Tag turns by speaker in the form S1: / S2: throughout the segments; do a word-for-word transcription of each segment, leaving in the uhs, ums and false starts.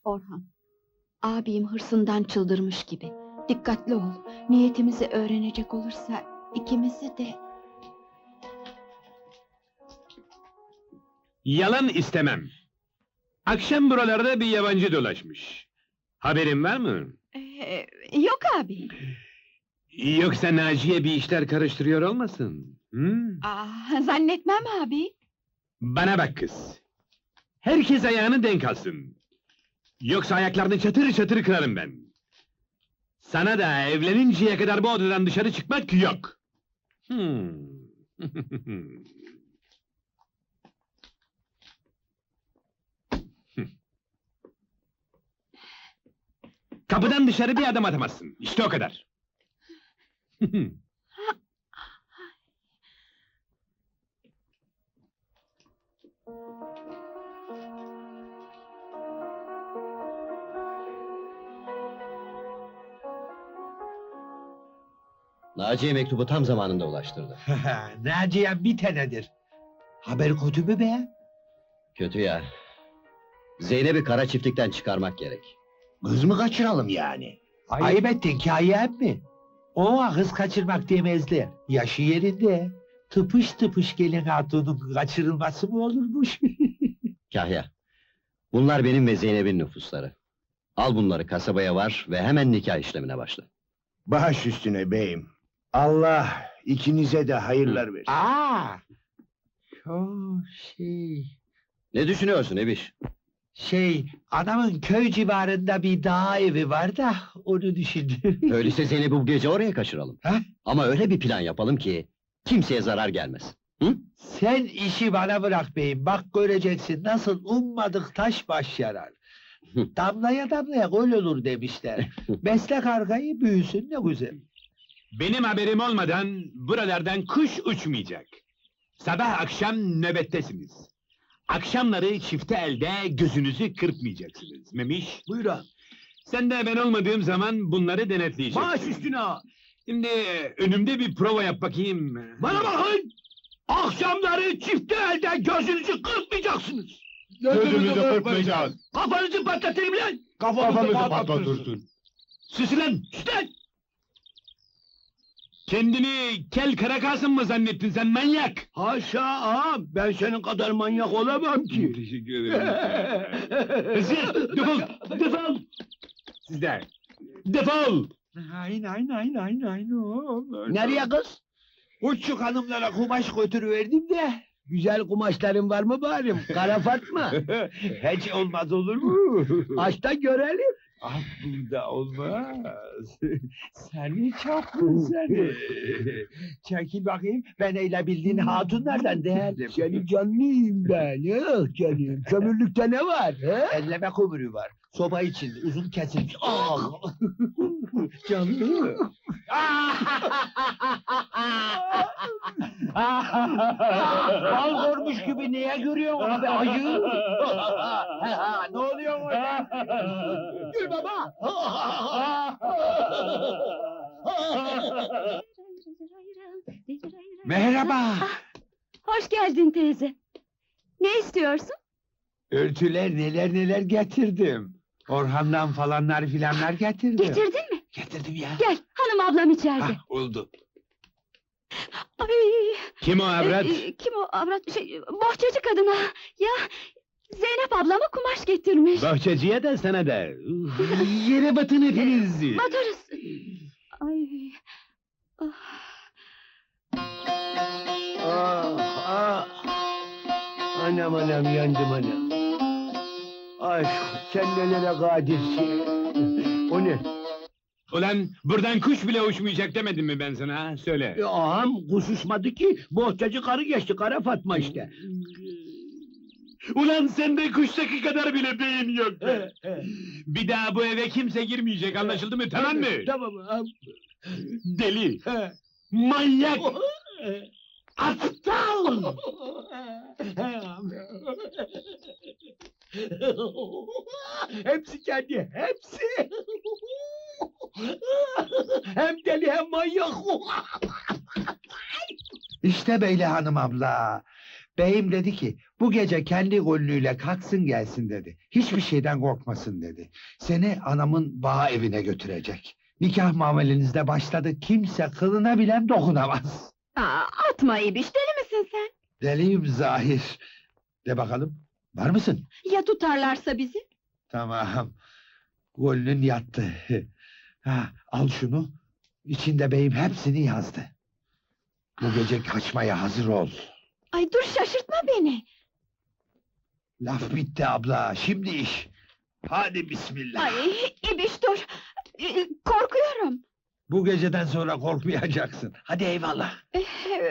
S1: Orhan, abim hırsından çıldırmış gibi. Dikkatli ol. Niyetimizi öğrenecek olursa ikimizi de...
S2: Yalan istemem. Akşam buralarda bir yabancı dolaşmış. Haberin var mı?
S1: Ee, yok abi.
S2: Yoksa Naciye bir işler karıştırıyor olmasın? Hı?
S1: Aa, zannetmem abi.
S2: Bana bak kız. Herkes ayağını denk alsın. Yoksa ayaklarını çatır çatır kırarım ben. Sana da evleninceye kadar bu odadan dışarı çıkmak yok. Hmm. Kapıdan dışarı bir adım atamazsın. İşte o kadar.
S3: Naciye mektubu tam zamanında ulaştırdı.
S4: Naciye bir tanedir. Haber kötü mü be?
S3: Kötü ya. Zeynep'i kara çiftlikten çıkarmak gerek.
S4: Kız mı kaçıralım yani? Ayıp ettin ki ayıp mi? Ona kız kaçırmak demezler. Yaşı yerinde. Tıpış tıpış gelin hatunun kaçırılması mı olurmuş?
S3: Kahya. Bunlar benim ve Zeynep'in nüfusları. Al bunları kasabaya var ve hemen nikah işlemine başla.
S5: Baş üstüne beyim. Allah ikinize de hayırlar versin.
S4: Aa! O şey...
S3: Ne düşünüyorsun Ebiş?
S4: Şey, adamın köy civarında bir dağ evi var da onu düşündüm.
S3: Öyleyse Zeynep'i bu gece oraya kaçıralım.
S4: Ha?
S3: Ama öyle bir plan yapalım ki kimseye zarar gelmez. Hı?
S4: Sen işi bana bırak beyim, bak göreceksin nasıl ummadık taş baş yarar. Damlaya damlaya gol olur demişler. Besle kargayı büyüsün ne güzel.
S2: Benim haberim olmadan buralardan kuş uçmayacak. Sabah akşam nöbettesiniz. Akşamları çifte elde gözünüzü kırpmayacaksınız. Memiş,
S5: Buyurun.
S2: sen de ben olmadığım zaman bunları denetleyeceksin.
S5: Baş üstüne.
S2: Şimdi önümde bir prova yap bakayım.
S5: Bana bakın. Akşamları çifte elde gözünüzü kırpmayacaksınız.
S2: Gözümüzü kırpmayacağız.
S5: Kafanızı patlatırım lan.
S2: Kafamızı patlatırsın. Sus lan, sus lan! Kendini kel Karakasım mı zannettin sen manyak?
S5: Haşa ağam, ben senin kadar manyak olamam ki.
S2: Teşekkür ederim. Hızır, defol, defol! Siz de, defol!
S4: Aynen aynen aynen aynen.
S5: Nereye kız?
S4: Uççuk hanımlara kumaş götürüverdim de.
S5: Güzel kumaşların var mı bari? Kara Fatma.
S4: Hiç olmaz olur mu?
S5: Aç da görelim.
S4: Ah burada olmaz. Seni çapkın seni. Çekil bakayım, ben öyle bildiğin hatunlardan değerlim.
S5: Senin canlıyım ben. Ah canım. Kömürlükte ne var? He?
S4: Elleme kömürü var. Soba içinde uzun kesilmiş. Ah! Canlı.
S5: Bal görmüş gibi niye görüyorsun abi ayı?
S4: Ne oluyor orada?
S5: Gül baba.
S4: Merhaba.
S1: Hoş geldin teyze. Ne istiyorsun?
S4: Örtüler neler neler getirdim. Orhan'dan falanlar filanlar getirdim.
S1: Getirdin mi?
S4: Getirdim ya.
S1: Gel, hanım ablam içeride.
S4: Hah, oldu.
S1: Ay,
S2: Kim o avrat?
S1: e, e, kim o avrat? Şey, bohçacı kadına. Ya, Zeynep ablama kumaş getirmiş.
S2: Bahçeciye de sana da. Yere batın hepiniz.
S1: Batarız. Ay. Ah.
S5: Ah ah. Anam anam yandım anam. Aşk sen nelere kadirsin. O ne?
S2: Ulan buradan kuş bile uçmayacak demedim mi ben sana ha? Söyle.
S5: E, ağam kuş uçmadı ki. Bohçacı karı geçti. Kara Fatma işte.
S2: Ulan sende kuştaki kadar bile beyin yok be! Bir daha bu eve kimse girmeyecek, anlaşıldı mı, tamam mı?
S5: Tamam ağam.
S2: Deli! Manyak!
S5: Aptal! Hepsi kendi, hepsi! Hem deli hem manyak!
S4: İşte böyle hanım abla. Beyim dedi ki bu gece kendi gönlüyle kalksın gelsin dedi. Hiçbir şeyden korkmasın dedi. Seni anamın bağ evine götürecek. Nikah muamelenizde başladı. Kimse kılına bilen dokunamaz.
S1: Aa, atma İbiş, deli misin sen?
S4: Deliyim zahir. De bakalım. Var mısın?
S1: Ya tutarlarsa bizi?
S4: Tamam. Gönlün yattı. Ha, al şunu. İçinde beyim hepsini yazdı. Bu gece kaçmaya hazır ol.
S1: Ay dur, şaşırtma beni.
S4: Laf bitti abla. Şimdi iş. Hadi bismillah.
S1: Ay İbiş dur. Ee, Korkuyorum.
S4: Bu geceden sonra korkmayacaksın. Hadi eyvallah.
S1: Ee,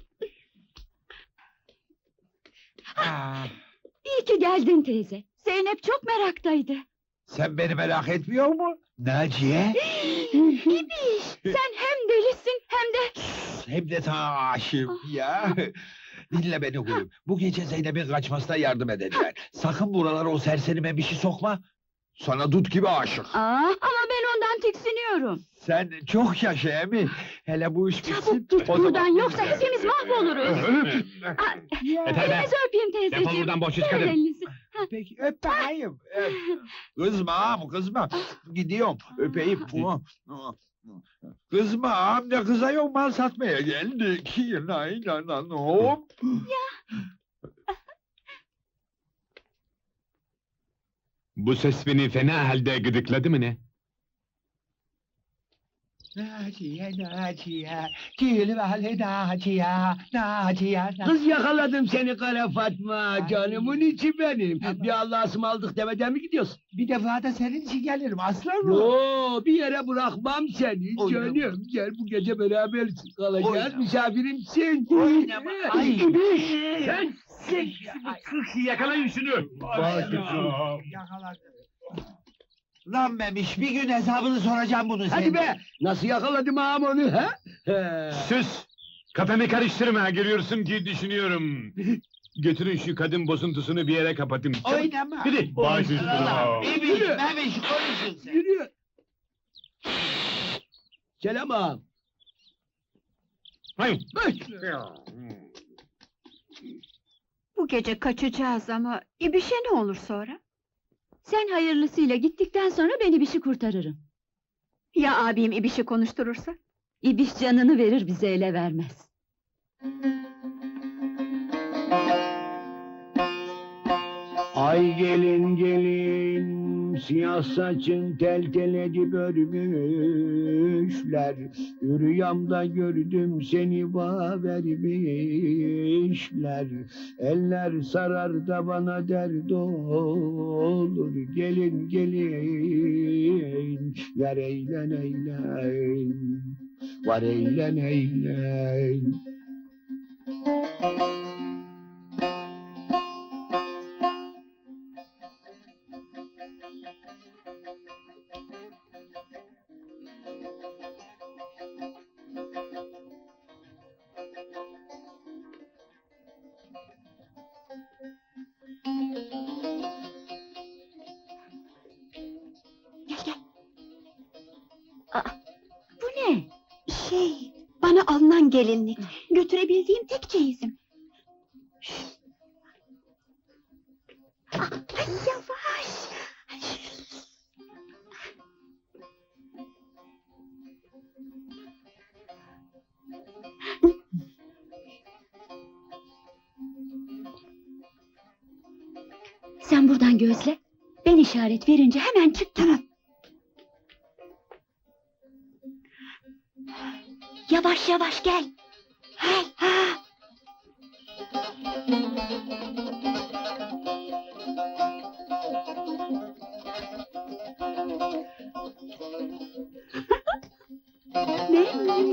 S4: Ah,
S1: İyi ki geldin teyze. Zeynep çok meraktaydı.
S4: sen beni merak etmiyor mu? Naciye?
S1: İbiş, sen hem delisin hem de...
S4: Hem de ta aşığım ya. Dinle beni kuyum. Bu gece Zeynep'in kaçmasına yardım edeceğim. Sakın buralara o serseri memişi sokma. Sana dut gibi aşık.
S1: Aa, ama ben ondan tiksiniyorum.
S4: Sen çok yaşa emi. Hele bu iş bitsin.
S1: Çabuk git
S4: o
S1: buradan,
S4: zaman-
S1: yoksa hepimiz mahvoluruz. Aa,
S2: Yeter be!
S1: elinizi öpeyim teyzeciğim.
S2: Defol buradan boş iş
S1: Ver
S2: kadın!
S1: elinizi.
S4: Peki öp bakayım. Öp. Kızma ağam kızma. Gidiyorum öpeyim. Kızma ağam ne kızıyor mal satmaya geldik. Nay nay nay hop.
S2: Bu ses beni fena halde gıdıkladı mı ne?
S4: Naciye Naciye. Cilveli Naciye. Naciye.
S6: Kız yakaladım seni kara Fatma, canımın içi benim. Bir Allah'a ısmarladık demeden mi gidiyorsun?
S4: Bir defa da senin için gelirim aslan mı?
S6: Yo, bir yere bırakmam seni
S4: Oynama.
S6: canım. Gel bu gece beraber kalacağız,
S4: Oynama.
S6: misafirimsin.
S4: Oynama. Ay.
S6: Sen
S2: Yakalayın şunu!
S4: Yakaladım. Lan Memiş bir gün hesabını soracağım bunu senin.
S6: hadi be, nasıl yakaladım ağam onu ha? He.
S2: Sus! Kafamı karıştırma, görüyorsun ki düşünüyorum. Götürün şu kadın bozuntusunu bir yere kapatın. Çabuk.
S4: Oynama.
S2: Hadi! Baş üstüne!
S4: Memiş, Memiş konuşun sen.
S6: Yürü. Selam ağam.
S2: Hayır!
S1: Bu gece kaçacağız ama İbiş'e ne olur sonra? Sen hayırlısıyla gittikten sonra ben İbiş'i kurtarırım. Ya abim İbiş'i konuşturursa? İbiş canını verir, bize ele vermez.
S6: Ay gelin gelin, siyah saçın tel tel edip örmüşler. Rüyamda gördüm seni bağ vermişler. Eller sarar da bana dert olur. Gelin gelin, ver eğlen eğlen. Var eğlen eğlen.
S1: Gel gel. Aa, bu ne? Şey, bana alınan gelinlik. Götürebildiğim tek çeyizim. Ah, ay, yavaş. Sen buradan gözle. Ben işaret verince hemen çık, tamam. Yavaş yavaş gel. Gel. Ha. Ne?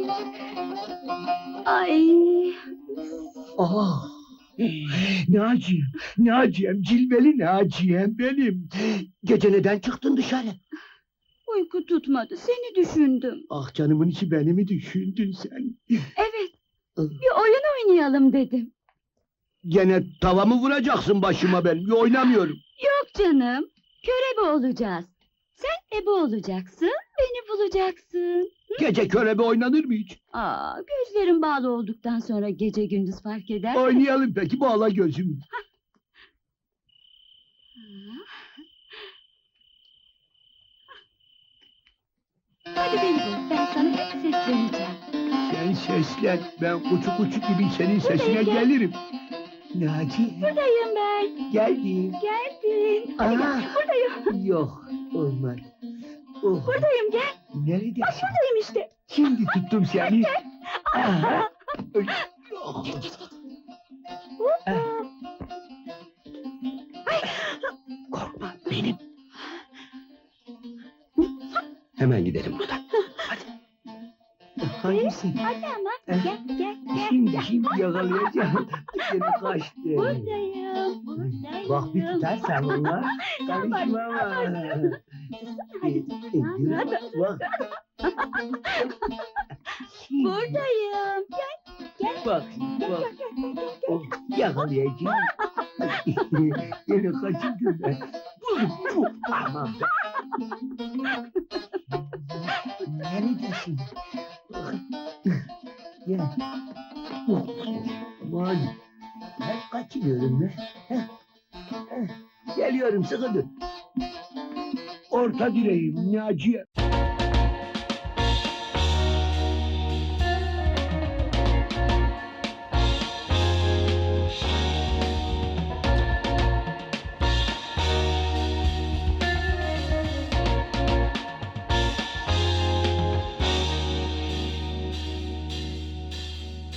S1: Ay.
S6: Ah! Naciye, Naciye'm, cilveli Naciye'm benim. Gece neden çıktın dışarı?
S1: Uyku tutmadı, seni düşündüm.
S6: Ah canımın içi beni mi düşündün sen?
S1: Evet, bir oyun oynayalım dedim.
S6: Gene tava mı vuracaksın başıma ben? Oynamıyorum.
S1: Yok canım, körebe olacağız. Sen ebe olacaksın, beni bulacaksın.
S6: Gece körebe oynanır mı hiç?
S1: Aa, gözlerin bağlı olduktan sonra gece gündüz fark eder mi?
S6: Oynayalım peki, bağla gözümü.
S1: Hadi beni bul, ben sana hep sesleneceğim.
S6: Sen seslen, ben kuçu kuçu gibi senin sesine
S1: Buradayım, gel.
S6: gelirim. Naci,
S1: Buradayım ben.
S6: geldim.
S1: Geldin. Hadi
S6: Aa.
S1: gel, buradayım.
S6: Yok, olmaz. Oh,
S1: Buradayım, gel.
S6: neredesin?
S1: Buradayım işte.
S6: Şimdi tuttum seni. Aha. Ay, oh. Korkma, benim. Hemen gidelim buradan. Hadi. Hangisi?
S1: Hadi ama,
S6: Eh.
S1: gel, gel, gel.
S6: Şimdi,
S1: gel.
S6: şimdi yakalayacağım. Seni kaçtı.
S1: Buradayım, buradayım.
S6: Bak bir tutarsan onlar. Karışma ama.
S1: Hadi,
S6: Bak.
S1: buradayım.
S6: Bak, bak. Oh, yakalayacağım. Seni kaçırdım ben. Aman be. Neredesin? Gel. Oh, aman. Ben kaçırıyorum be. Heh, heh. Geliyorum, sıkı dur. Orta direğim Naciye.